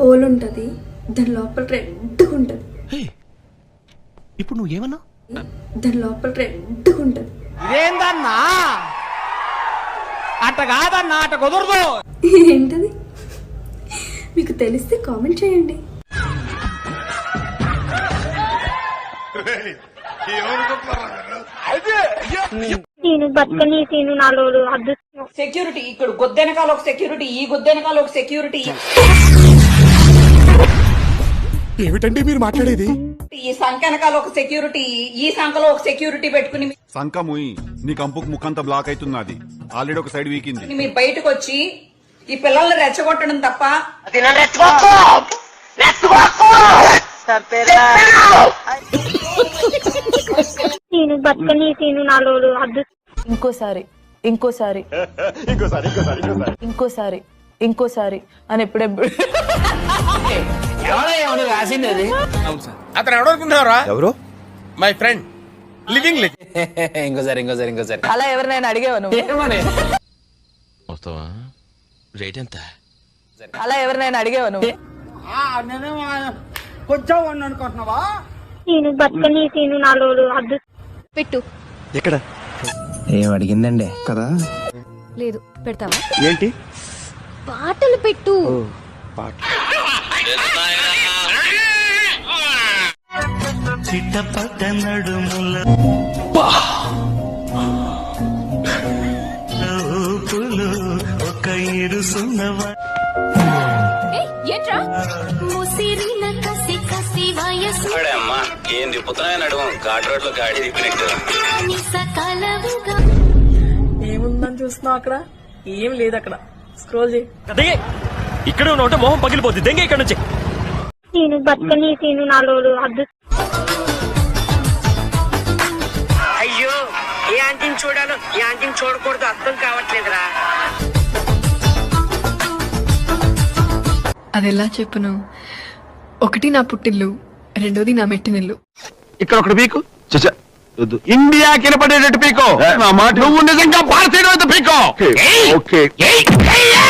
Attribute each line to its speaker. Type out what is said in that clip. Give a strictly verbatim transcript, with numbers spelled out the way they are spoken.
Speaker 1: Whole ఉంటుంది, దాని లోపల రెడ్గా ఉంటుంది.
Speaker 2: ఇప్పుడు నువ్వు ఏమన్నా?
Speaker 1: దాని లోపల రెడ్గా ఉంటుంది.
Speaker 3: ఇదేందన్నా అట్ట కాదన్నా, అట్ట కుదరదు.
Speaker 1: ఏంటది? మీకు తెలిస్తే కామెంట్ చేయండి.
Speaker 4: నేను బతకని సీను నాలో అదృష్టం.
Speaker 5: సెక్యూరిటీ ఇక్కడ గొద్దెనకాల ఒక సెక్యూరిటీ, ఈ గొద్దెనకాల ఒక సెక్యూరిటీ.
Speaker 2: ఏమిటండి మీరు మాట్లాడేది?
Speaker 5: ఈ సంఖ వెనకాల ఒక సెక్యూరిటీ, ఈ సంఖలో ఒక సెక్యూరిటీ పెట్టుకుని
Speaker 6: సంఖ ముయి నీ కంపుకు ముక్కంతా బ్లాక్ అవుతున్నది. ఆల్రెడీ ఒక సైడ్ వీకింది.
Speaker 5: మీరు బయటకు వచ్చి ఈ పిల్లల్ని రెచ్చగొట్టడం తప్ప
Speaker 4: నేను బతకని సీను నాలో అదృష్టం.
Speaker 7: ఇంకోసారి ఇంకోసారి ఇంకోసారి ఇంకోసారి ఇంకోసారి అని ఎప్పుడెప్పుడు
Speaker 3: ఎవడో రాసింది అది.
Speaker 8: అతను ఎవడనుకుంటున్నారా?
Speaker 2: ఎవరు?
Speaker 8: My friend living lit.
Speaker 3: ఇంకోసారి ఇంకోసారి ఇంకోసారి
Speaker 7: అలా ఎవరినైనా అడిగేవా నువ్వు?
Speaker 2: వస్తావా? రేట్ ఎంత?
Speaker 7: అలా ఎవరినైనా అడిగేవా నువ్వు?
Speaker 3: కొంచెం అనుకుంటున్నావా?
Speaker 4: నేను బతకని సీను నాలో అదృష్టం.
Speaker 9: పెట్టు.
Speaker 2: ఎక్కడ?
Speaker 3: ఏం అడిగిందండి
Speaker 2: కదా?
Speaker 9: లేదు, పెడతావా?
Speaker 2: ఏంటి?
Speaker 9: పాటలు పెట్టు.
Speaker 2: పాట.
Speaker 9: ఏంట్రా
Speaker 10: ఏం తిప్పుతున్నాయని అడుగు ఘాట్ రోడ్ లో గాడి తిప్పినట్టు.
Speaker 7: ఏముందని చూస్తున్నావు అక్కడ? ఏం లేదు అక్కడ. స్క్రోల్ చేయి.
Speaker 10: ఇక్కడ ఉంటే మొహం పగిలిపోద్ది. దెంగ ఇక్కడ నుంచి.
Speaker 4: నేను బతకని సీను నాలో అదృష్టం.
Speaker 5: అయ్యో ఏ ఆంటీని చూడాలో ఏ ఆంటీని చూడకూడదు అర్థం కావట్లేదురా.
Speaker 9: అదెలా చెప్పును? ఒకటి నా పుట్టిల్లు, రెండోది నా మెట్టినిల్లు.
Speaker 2: ఇక్కడ ఒకటి పీకు. ఇండియా కినపడేటట్టు పీకో. నువ్వు నిజంగా భారతీయుడు పీకో. ఓకే.